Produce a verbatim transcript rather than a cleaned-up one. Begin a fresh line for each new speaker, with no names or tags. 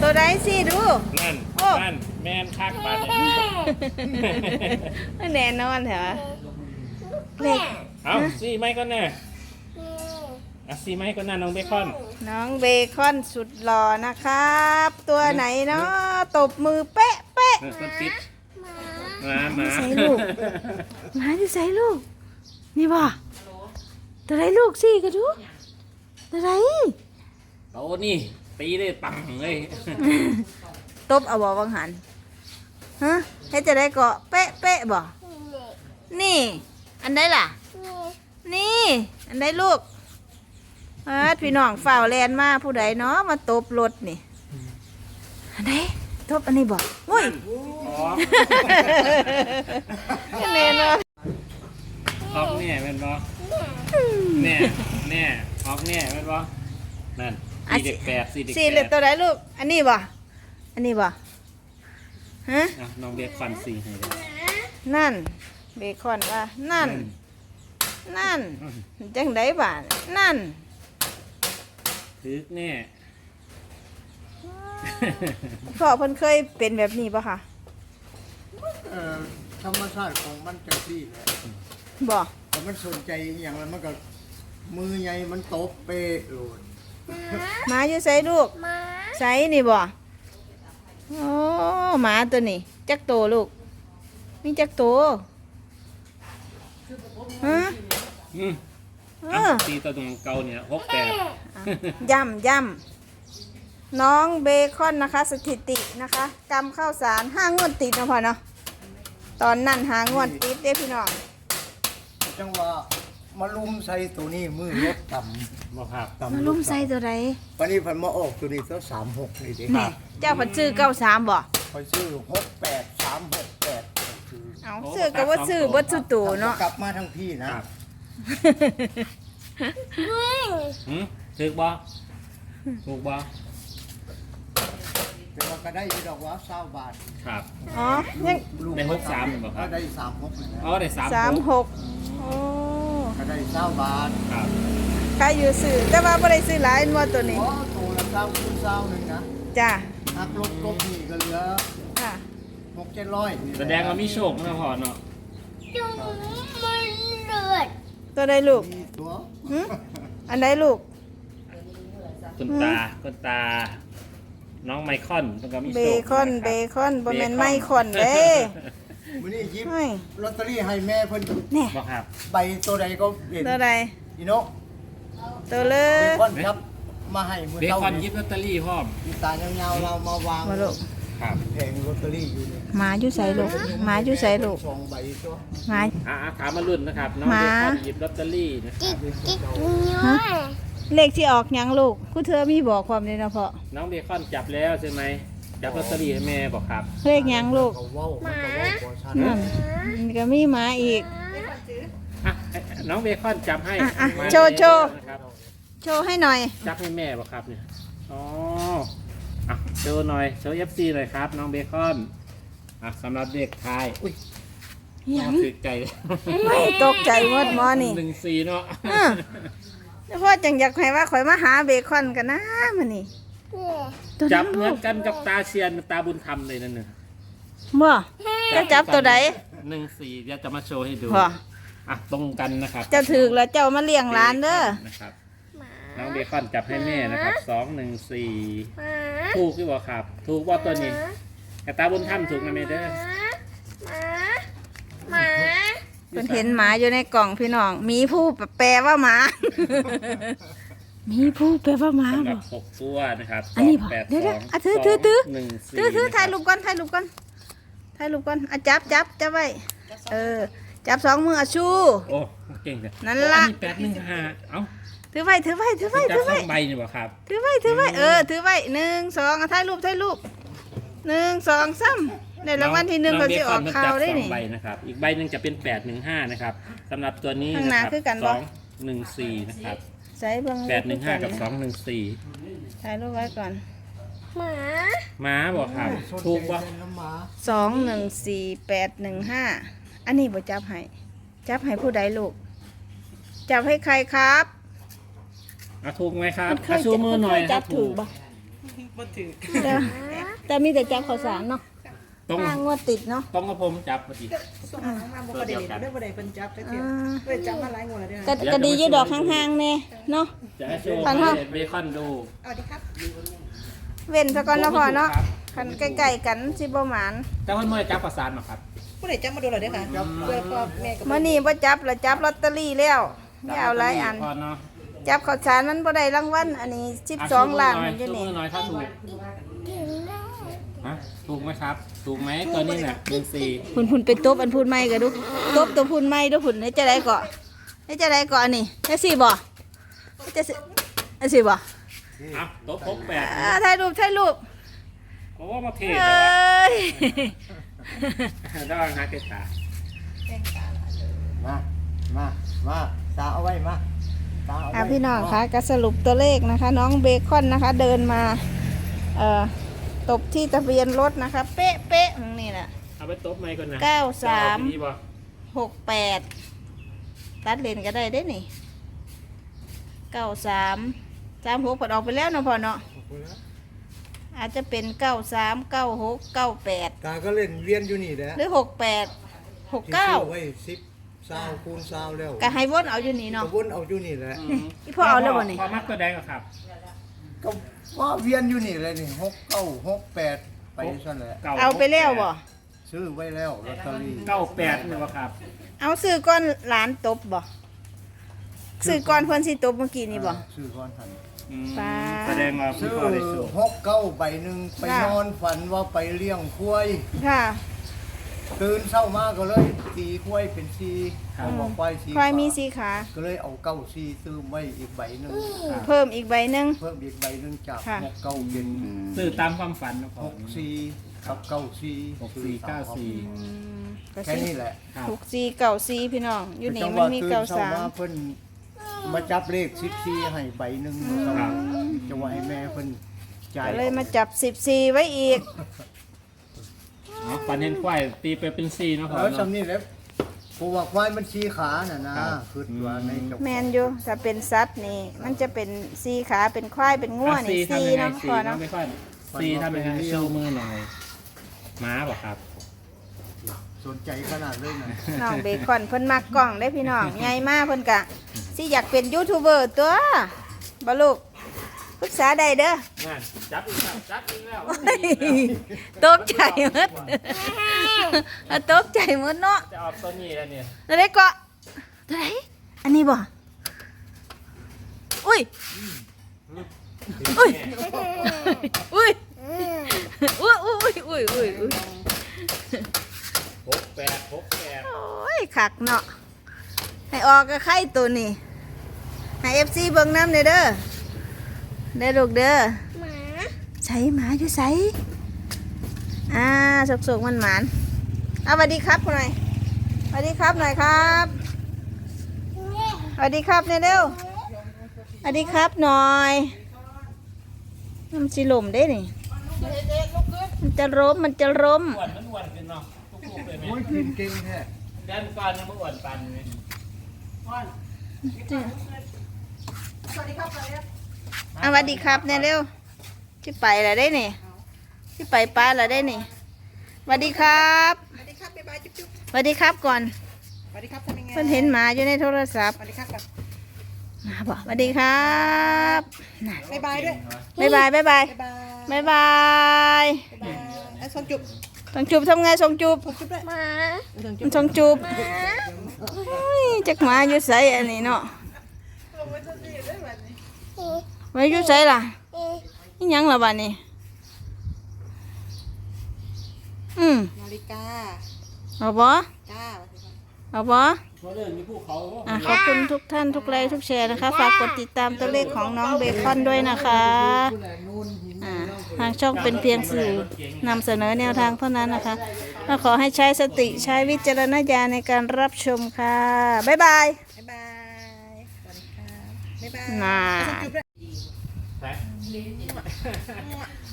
ตัวใดสิดู
นั่น
โอ้
นั่นแมนคักบาดเนี่ย
แน่นอนเหรอเลข
เอาซีไม้ก็แน่อ่ะซีไม้ก็น่าน้องเบคอน
น้องเบคอนสุดหล่อนะครับ ตัวไหนเนาะตบมือเป๊ะเป๊ะ
เออคนติดมามา
ใส่ลูก หมาอยู่ใส่ลูก นี่บ่ตัวไหนลูกสิกระดูตัวไหน
โตนี่ตีได้ปังเลย
ตบเอาบ่วังหันฮะให้จะได้เกาะเป๊ะเป๊ะบ่นี่ อันใดล่ะ นี่ อันใดลูกเออพี่น้องฝ่าวแลนมาผู้ใดเนาะมาตบรถนี่อันใดตบอันนี้บ่โอ้ย
อ๋อ
แน่นอน
ออกแน่เป็นบ่แน่แน่ออกแน่เป็นบ่นั่นสี่เด็กแปดสี่เด็ก
สี่เห
แป
ลือ
ด
ตัวใดลูก อันนี้บ่อันนี้บ่ฮะ
อ่ะน้องเบคอนสี่ให้เลย
นั่นเบคอนว่านั่น นั่นจังไดบ้านนั่น
ถึกแน่
พ่อเพิ่นเคยเป็นแบบนี้ป่ะคะ
เอ่อธรรมชาติของมันจังซี่แหละ
บ่
แต่มันสนใจอหย่างแล้วมันก็มือใหญ่มันตบเปะโลด
หมาอยู่ไสลูกไสนี่บ่โอ้หมาตัวนี้จักโตลูกมีจักโตฮะ
อืม
เอ
อ่ะ
อ
ตีตัวตรงเก่าเนี่ยหกแปด
ย่ำย่ำน้องเบคอนนะคะ สถิตินะคะกำข้าวสารห้างวดติดนะพ่อเนาะตอนนั้นหางวดติดเด้พี่น้อง
จังว่ามาลุมใส่ตัวนี้มือรถต่
บ่ครับ
ำต่ำ
มาลุ่มใส่ตัวใด
วันนี้เพันมาออกตัวนี้ตัวสามหกนี่ดิ
แหน่เจ้าผัดซื้อเก้าสามบ่
คอยซื้อหกแปดสามหกแปดซื้อ
เอาซื้อก็ว่าซื้อบ่สุตูเนาะ
กลับมาทั้งพี่นะครับ
หืมถึกบ่ถูกบ่
แต่ว่าก็ได้อยู่ดอกว่าเศร้าบาท
ครับ
อ๋อยัง
ลู
ได้หกสามเหรอครับ
ก็ได้สามหกนะ
อ๋อได้สาม
สาม
ห
ห
ก
กโอ้
ก็ได้เศร้าบาท
ครับ
ใครอยู่ซื้อแต่ว่าบ่ได้ซื้อหลายอันว่าตัวนี้
โอ้ตัวละเศร้าคูณเศร้าหนึ่งนะ
จ้า
หักลบกบนี่ก็เหลือ
ค่ะ
หกเจ็ดร้อย
แสดงว่ามีโชคนะพ่อเนาะ
ตัวใดลูก
มีตัว
หึอันใดลูก
คุณตาคุณตา น้องไมคอนต้องก็มี
เบ
โชค
คอนเบคอนบ่แม่นไม้คอนเด้
มื้อนี้ยิบ
เฮ้ย
ลอตเตอรี่ให้แม่เพิ่น
แน่
บ่ครับ
ใบตัวใดก็เห็น
ตัวใด
อีโนะ
ตัวเล
เบ
ย
คอนครับมาให้มื้อ
เบ
เช้า
คอนยิบลอตเตอรี่พร้อม
มีตายาวๆเรามาวาง
มาลูก
ครับ
แผงลอตเตอรี่อยู่เนี่ย
หมาอยู่ใส่ลูกหมาอยู่ใส่ลูก
สองใบตัว
หมา
อ่าถามมารุ่นนะครับ น้อง
หมา
เบคอนหยิบลอตเตอรี่นะครับ
ฮะเลขที่ออกหยังลูกกูเธอมีบอกความเลยนะพ่อ
น้องเบคอนจับแล้วใช่ไหมจับลอตเตอรี่ให้แม่บอกครับ
เลขหยังลูก
เขาเว้ามันก็เว้าบ่ชัด
นั่นมันก็มีหมาอีก
อ่ะน้องเบคอนจับให้
อ่ะอ่ะ
มา
โชว์โชว์
นะครับ
โชว์ให้หน่อย
จับให้แม่บอกครับเนี่ยอ๋ออ่ะโชว์หน่อยโชว์เอฟซีหน่อยครับ น้องเบคอนอ่ะสำหรับเด็กชายอุ้ย
หยัง
ตื่นใจ
ไม่ตกใจหมดหมอนี่
หนึ่งสี่เนาะ
อ่ะแล้วพ่อจังอยากให้ว่าข่อยมาหาเบคอนกันนะมันนี่ตัว
จั
นั้
บ
น
เหมื
ลู
อน
ก
กันกับตาเชียนตาบุญธรรมเลยนั่นน่ะ
บ่จะจับตัวใด
หนึ่งสี่เดี๋ยวจะมาโชว์ให้ดู
บ่
อ่ะตรงกันนะครับ
เจ้าถือแล้วเจ้ามาเลี้ยงร้านเด้อ
นะครับน้องเบคอนจับให้แม่นะครับสองหนึ่งสี่ถูกหรือเปล่าครับ ถูกว่าตัวนี้แต่ตาบุญธรรมถูกนะแม่เด้อ
เพิ่นเห็นหมาอยู่ในกล่องพี่น้องหมีผู้แปลว่าหมา หมีผู้แปลว่าหมา
สำห
บ่
รับหกตัวนะครับ
อันนี้
สงแปด
เดี๋ยว
ส
เดี๋
อ
ยว
ง
อ่ะถือถือถือ
หนึ่งสี่
ถือถือถ่ายรูป
นะค
ก่อนถ่ายรูปก่อนถ่ายรูปก่อนอ่ะจับจับจับไว้เออจับสองมืออ่ะชู
โอ้เก่งจัง
นั่นล่ะ
อัแปดหนึ่งห้าเอ้า
ถือไว้ถือไว้ถือไว้
จับ
ถือ
ส
ไว้
องใบนี่บ่ครับ
ถือไว้ถือไว้เออถือไว้หนึ่งสองอ่ะถ่ายรูปถ่ายรูปหนึ่งสองสามในรางวัลที่หนึ่งก็สิออกข่าวได้
น้องเบคอนมันจับสอ
นี่
งใบนะครับอีกใบหนึ่งจะเป็นแปดหนึ่งห้านะครับสำหรับตัวนี้
ข้างห
นะ
น้า
ครับ
คือกัน
ส
บ่
องหนึ่งสี่นะครับ
ใส่เบิ่ง
แปดหนึ่งห้ากับสองหนึ่งสี่
ถ่ายรูปไว้ก่อน
ม้าบอกครับ
สนใจ
ถูกป่ะ
เป็นน้ำหมา
สองหนึ่งสี่แปดหนึ่งห้าอันนี้บ่จับให้จับให้ผู้ใดลูกจับให้ใครครับ
อ่ะถูกไหมครับ
มันเค
อ่ะ
ย
ชูมือหน่อย
มันเคยจับ
ถ้า
ถูกบ่
บ่ถึง
แต่แต่มีแต่จับข้าวสารเนาะ
ต้อง
ห้างวดติดเนาะ
ต้องกระผมจับพอดี
ส่งมามาบ่ประเด็นเด้อบ่ได้เพิ่นจับจักเที่ยเพิ่นจับมาหลายงวดแล้วเด้อ
ก็ก็ดีอยู่ดอกห่างๆแน่เนาะ
จะให้โชว์
ปันเท่า
เบคอนดู
เอาดิครับ
เว้นซะก่อนเนาะพ่อเนาะคันใกล้ๆกันสิบ่หมาน
แต่เพิ่นไม่ได้จับประสานหรอกครับ
ผู้ใดจับมาดูแล้วเด้อค่ะเพื่อพ่อแม่กับ
มื้อนี้บ่จับละจับลอตเตอรี่แล้วอย่าเอาหลายอัน
พอเนาะ
จับข้าวสารมันบ่ได้รางวัลอันนี้สิบสองล้านมันอยู่
ชู
นี่
มือหน่อยถ้าถูกฮะถูกไหมครับ ถูกไหมตัวนี้น่ะหนึ่งสี่
พุ่นพุ่นไปตบอันพุ่นใหม่ก็ดูตบตัวพุ่นใหม่ดูพุ่นให้จะได้เกาะให้จะได้เกาะอันนี้ให้สิบ่ให้จะสิให้สิบ่
อ่ะโต๊ะพกแปด
อ่าถ่ายรูปถ่ายรูป
เพราะว่ามาเท
เอ
นะวะ
้ย
ระวังนะเกตา
มามามาตาเอาไว้มาตาเอา
อ่ะ
ไว้
พี่น้องคะก็สรุปตัวเลขนะคะ น้องเบคอนนะคะ เดินมาเอ่อตบที่ทะเบียนรถนะคะ เป๊ะเป๊ะๆนี่แหละ
เอาไปโต๊ะไหมก่อนนะ
เก้าสาม
จะเอไปนี่บ่
หกแปดตัดเลนก็ได้เด้นี่เก้าสามสามหกผลออกไปแล้วเนาะพ่อเนาะอาจจะเป็นเก้าสามเก้าหกเก้าแปด
ตาก็เล่นเวียนอยู่นี่แหละ
หรือหกแปดหกเก้า
ที่ซื้อไว้สิบซาวคูณซาวแล้ว
ก็ให้วนเอาอยู่นี่
ก
เนาะ
ระวนเอาอยู่นี่แหละ
อีพ่อเอาแล้วบ่นี่
พอมักตัวแดงเหรอครับ
ก็ว่าเวียนอยู่นี่เลยนี่หกเก้าหกแปดไปซะแหละ
ก้
เอาไปแล้วบ่
ซื้อไว้แล้วลอตเตอรี่
เก้าแปดนี่บ่ครับ
เอาซื้อก้อนหลานตบบ่ซื้อก้อนเพิ่นสิตบเมื่อกี้นี่บ่
ซื้อก้อนหัน
อืม
ปลา
แสดงว่าพี่
ซื้อ
พ่อได้สูง
หกเก้าใบหนึ่งไป
ค่ะ
นอนฝันว่าไปเลี้ยงควาย
ค่ะ
ตื่นเช้ามาก็เลยตีควายเป็นสีเขาบอกควายสี
ควายมีสีขา
ก็เลยเอาเก้าสีซื้อไว้อีกใบหนึ่ง
เพิ่มอีกใบหนึง
เพิ่มอีกใบหนึ่งจาก
ค่ะ
หกเก้าเป็น
ซื้อตามความฝันนะพ่อ
หกสี่กับเก้าสี่
หกสี่เก้าสี่
อืมก็
แค่
สิ
นี้แหละ
ครับ
หกสี่เก้าสี่พี่น้องอยู่นี่
จังห
มัน
วะ
มี
ตื่น
เก้า
เช้า
สาม
มาเพิ่นมาจับเลขสิบสี่ให้ใบหนึ่งครับจังหวะให้แม่เพิ่นจ่าย
ก็เลยมาจับสิบสี่ไว้อีก
อ๋อฝันเห็นควายตีไปเป็นสี่เนาะพ่อ
แล้ว
เนาะ
จำนี่แหล้วเพราะว่าควายมันสีขาน่ะนะครับ คือว่าในเจ้า
แมนอยู่ถ้าเป็นสัตว์นี่ มันจะเป็นสี่ขาเป็นควายเป็นง่ว
อ่ะ
นี่
สี่
สี่
ทำยังไง
เนาะ
สี่
พอ
เนาะ
เนาะ
ไม่ค่อยสี่ทำยังไงชูมือหน่อยม้าบ่ครับ
สนใจขนาดเลยนะ
น้องเบคอนเพิ่นมักกล้องได้พี่น้องใหญ่มากเพิ่นกะสิอยากเป็นยูทูบเบอร์ตัวบ่ลูกปรึกษาได้เด้อ
นั่นจับอีกแล้วจับอีกแล้ว
ตกใจหมด อะตกใจหมดเนาะ
จะออกตัวนี้แล้วเนี่ย
อะไรเกาะอะไรอันนี้บ่อุ้ยอุ้ยอุ้ยอุ้ยอุ้ยอุ้ยอุ้ยอุ้ย
หกแปดหกแปด
โอ้ยขักเนาะให้ออกก็ไข่ตัวนี้ให้เอฟซีเบิ่งน้ำเด้อเด้อเด้อลูกเด้อหมาใส่หมาอยู่ใส่อ่าสุกๆมันหมานเอาสวัสดีครับหน่อยสวัสดีครับหน่อยครับสวัสดีครับเนี่ยเร็วสวัสดีครับหน่อยมันสิลมได้นี่มันจะล้มมันจะล้ม
อ้วนมันอ้วนขึ้นเนาะทุกๆเลยไหม
โอ้ยกินเก่งแท้
แดนก่อนยังไม่อ้วนปันเลย
สวัสดีครับสวัสดีครับ
อ่ะสวัสดีครับเนี่ยเร็วที่ไปแล้วได้นี่ที่ไปป้าแล้วได้นี่สวัสดีครับ
สวัสดีครับบ๊ายบายจุ๊บจุ๊บ
สวัสดีครับก่อน
สวัสดีครับทำยังไง
เพิ่นเห็นหมาอยู่ในโทรศัพท์
สวัสดีครับก่อน
หมาบอกสวัสดีครับน่ะ
บ๊ายบายด้วย
บ๊ายบายบ๊ายบาย
บ๊ายบาย
บ๊ายบาย
บ๊ายบายไอ้ส่งจุ๊บ
ส่งจูบทำไงส่งจูบ
ส่งจุ๊บด้วยมาส่งจุ๊บ
ส่งจูบเฮ้ยจักหมาอยู่ใส่อันนี้เนาะไว้อยู่ใส่ล่ะนี่ยังล่ะบ้านนี้อืม
นาฬิกา
เอาบ่
จ้า
เอาบ่
เพราะเรื่องมีภูเขา
อ่ะขอบคุณทุกท่านทุกไลค์ทุกแชร์นะคะ ฝากกดติดตามตัวเลขของน้องเบคอนด้วยนะคะอ่าทางช่องเป็นเพียงสื่อนำเสนอแนวทางเท่านั้นนะคะและขอให้ใช้สติใช้วิจารณญาณในการรับชมค่ะ บ๊ายบาย
บ๊ายบายสวัสดีครับบ๊ายบาย
น่า
ส่งจุ๊บด้วย
แพ้